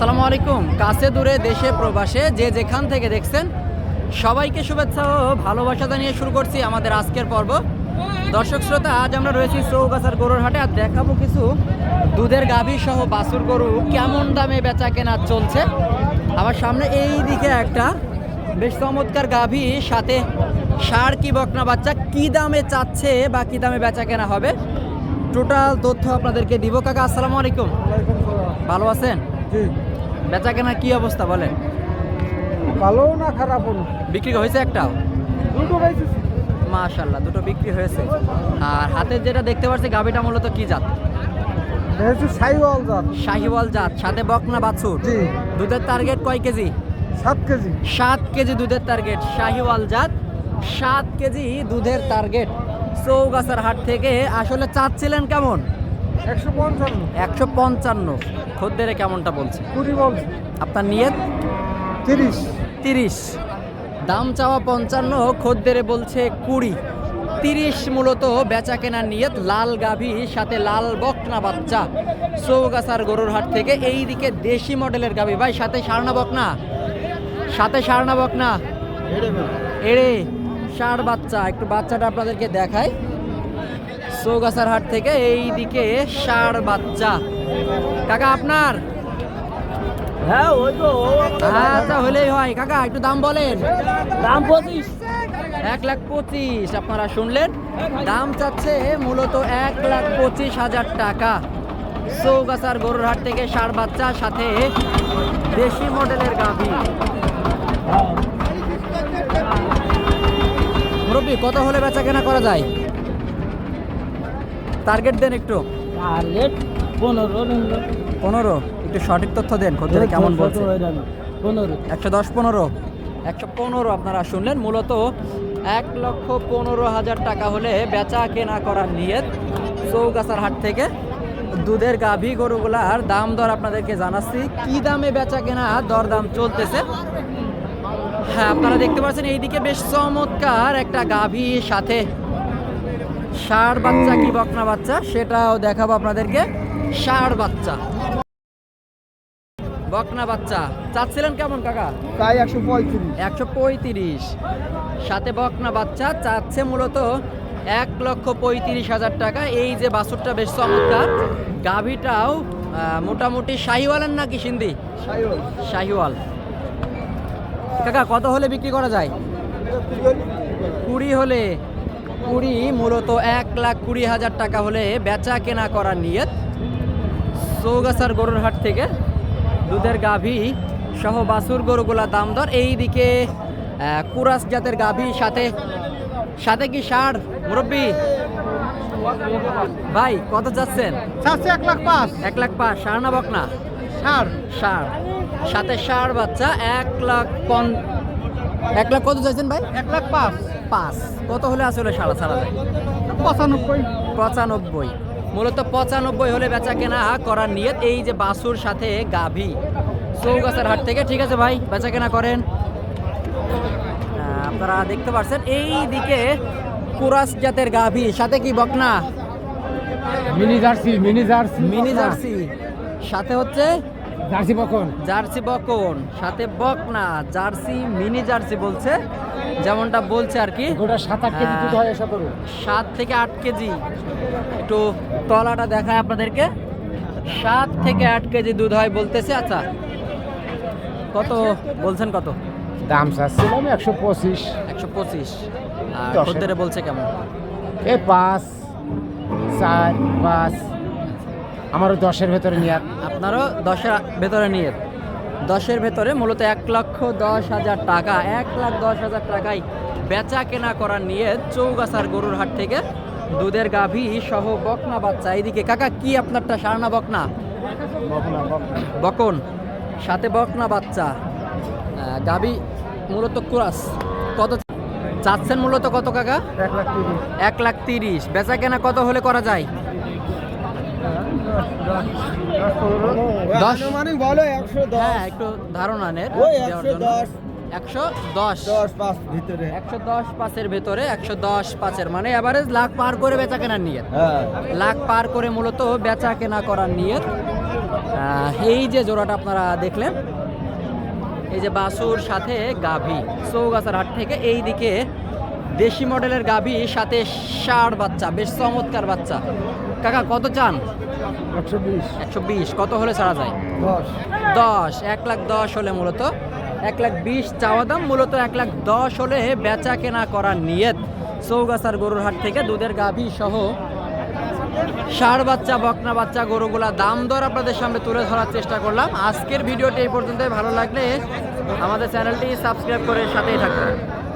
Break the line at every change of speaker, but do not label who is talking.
আসসালামু আলাইকুম। কাছে দূরে দেশে প্রবাসে যে যেখান থেকে দেখছেন সবাইকে শুভেচ্ছা ও ভালোবাসা জানিয়ে শুরু করছি আমাদের আজকের পর্ব। দর্শক শ্রোতা, আজ আমরা রয়েছি চৌগাছার গরুর হাটে আর দেখাবো কিছু দুধের গাভী সহ বাছুর গরু কেমন দামে বেচা কেনা চলছে। আমার সামনে এই দিকে একটা বেশ চমৎকার গাভী, সাথে ষাঁড় কি বকনা বাচ্চা কি দামে চাচ্ছে বা কি দামে বেচা কেনা হবে টোটাল তথ্য আপনাদেরকে দিব। কাকা আসসালামু আলাইকুম, ভালো আছেন? বেচা কেনা কি অবস্থা বলেন?
ভালো না খারাপ না,
বিক্রি হয়েছে একটাও?
দুটো পাইছি।
মাশাআল্লাহ, দুটো বিক্রি হয়েছে। আর হাতে যেটা দেখতে পাচ্ছি গাভীটা মূলত কি জাত?
দেখছি শাহিওয়াল জাত।
শাহিওয়াল জাত, সাথে বকনা বাছুর।
জি।
দুধের টার্গেট কয় কেজি?
7 কেজি।
7 কেজি দুধের টার্গেট। শাহিওয়াল জাত, 7 কেজি দুধের টার্গেট। চৌগাছার হাট থেকে আসলে চাচ্ছিলেন কেমন?
155।
155। খদ্দেরে কেমনটা বলছে?
20 বলছে।
আপনার নিয়ত?
30।
30। দাম চাওয়া 55, খদ্দেরে বলছে 20। 30 মূলত বেচা কেনার নিয়ত। লাল গাভী সাথে লাল বকনা বাচ্চা চৌগাছার গরুর হাট থেকে। এই দিকে দেশি মডেলের গাভী। ভাই সাথে ষাঁড় না বকনা? সাথে ষাঁড় না বকনা? এড়ে ষাঁড় বাচ্চা। একটু বাচ্চাটা আপনাদেরকে দেখাই। চৌগাছার হাট থেকে এই দিকে ষাঁড় বাচ্চা। কাকা আপনার?
হ্যাঁ ওই তো।
আচ্ছা, হলেই হয়। কাকা একটু দাম বলেন।
দাম 25।
1,25,000। আপনারা শুনলেন, দাম চাচ্ছে মূলত 1,25,000 টাকা। চৌগাছার গরুর হাট থেকে ষাঁড় বাচ্চা সাথে দেশি মডেলের গাভী। মুরব্বী, কত হলে বেচা কেনা করা যায়? টার্গেট দেন একটু।
টার্গেট 15।
15? একটু সঠিক তথ্য দেন। খদ্দের কেমন বলছে?
15।
110, 15? 115 আপনারা শুনলেন। মূলত 1,15,000 টাকা হলে বেচা কেনা করার নিয়ত চৌগাছার হাট থেকে। দুধের গাভী গরুগুলার দাম দর আপনাদেরকে জানাচ্ছি, কি দামে বেচা কেনা দরদাম চলতেছে। হ্যাঁ, আপনারা দেখতে পাচ্ছেন এইদিকে বেশ চমৎকার একটা গাভী, সাথে ষাঁড় বাচ্চা কি বকনা বাচ্চা সেটাও দেখাবো আপনাদেরকে। ষাঁড় বাচ্চা, বকনা বাচ্চা চাচ্ছিলেন কেমন কাকা?
তাই 135।
135। সাথে বকনা বাচ্চা চাচ্ছে মূলত 1,35,000 টাকা। এই যে বাছুরটা বেশ চমৎকার, গাভীটাও মোটামুটি শাহিওয়ালের নাকি সিন্ধি?
শাহিওয়াল।
শাহিওয়াল। কাকা কত হলে বিক্রি করা যায়? 20 হলে। 20 মূলত 1,20,000 টাকা হলে বেচা কেনা করার নিয়ত চৌগাছার গরুর হাট থেকে। দুধের গাভী সহ বাছুর গরুগুলা দাম দর। এইদিকে কুরাস জাতের গাভী, সাথে সাথে কি ষাঁড়? মুরব্বী ভাই কত যাচ্ছেন?
1,05,000।
1,05,000। ষাঁড় না বকনা?
ষাঁড়।
ষাঁড়, সাথে ষাঁড় বাচ্চা। 1,00,000 কত চাইছেন ভাই?
1,05,000।
কত হলে আসলে সাড়া ছাড়া যায়?
95।
95। মূলত 95 হলে বেচা কেনা করার নিয়ত। এই যে বাছুর সাথে গাভী চৌগাছার হাট থেকে। ঠিক আছে ভাই, বেচা কেনা করেন। আপনারা দেখতে পাচ্ছেন এই দিকে কুরাস জাতের গাভী, সাথে কি বকনা?
Mini jersey.
মিনি জার্সি, সাথে হচ্ছে
জার্সি বকন।
জার্সি বকন, সাথে বকনা। জার্সি মিনি জার্সি বলছে, যেমনটা বলছে আর কি।
গোটা 7-8 কেজি দুধ হয় এসব গরু।
7 থেকে 8 কেজি। একটু তলাটা দেখায় আপনাদেরকে। 7 থেকে 8 কেজি দুধ হয় বলতেছে। আচ্ছা, কত বলছেন? কত
দাম চাচ্ছিলাম 125।
125। আর
10
খদ্দেরে বলছে কেমন?
5, 4, 5। আমারও 10-এর ভেতরে নিয়ে।
আপনারও 10-এর ভেতরে নিয়ে। 10-এর ভেতরে মূলত 1,10,000 টাকা। 1,10,000 টাকায় বেচা কেনা করার নিয়ে চৌগাছার গরুর হাট থেকে দুধের গাভী সহ বকনা বাচ্চা। এইদিকে কাকা কি আপনারটা ষাঁড় না বকনা? বকন, সাথে বকনা বাচ্চা। গাভী মূলত কুরাস। কত চাচ্ছেন মূলত? কত কাকা?
1,30,000।
1,30,000। বেচা কেনা কত হলে করা যায়? 10
মানে বলো 110।
হ্যাঁ, একটু ধারণা নেন।
ওই
দেওয়ার জন্য।
110।
110
ভিতরে।
110 ভেতরে। 110 মানে এভারেজ লাখ পার করে বেচা কেনার নিয়ত।
হ্যাঁ।
লাখ পার করে মূলত বেচা কেনা করার নিয়ত এই যে জোড়াটা আপনারা দেখলেন, এই যে বাছুর সাথে গাভী, চৌগাছার হাট থেকে এই দিকে দেশি মডেলের গাভী সাথে ষাঁড় বাচ্চা, বেশ চমৎকার বাচ্চা। কাকা কত চান?
120
120। কত হলে ছাড়া যায়? 10। 1,10,000 হলে মূলত 1,20,000 চাওয়া দাম, মূলত 1,10,000 হলে বেচা কেনা করার নিয়ত। চৌগাছার গরুর হাট থেকে দুধের গাভী সহ ষাঁড় বাচ্চা, বকনা বাচ্চা গরুগুলা দাম দর আপনাদের সামনে তুলে ধরার চেষ্টা করলাম। আজকের ভিডিওটি এই পর্যন্তই। ভালো লাগলে আমাদের চ্যানেলটি সাবস্ক্রাইব করে সাথেই থাকবেন।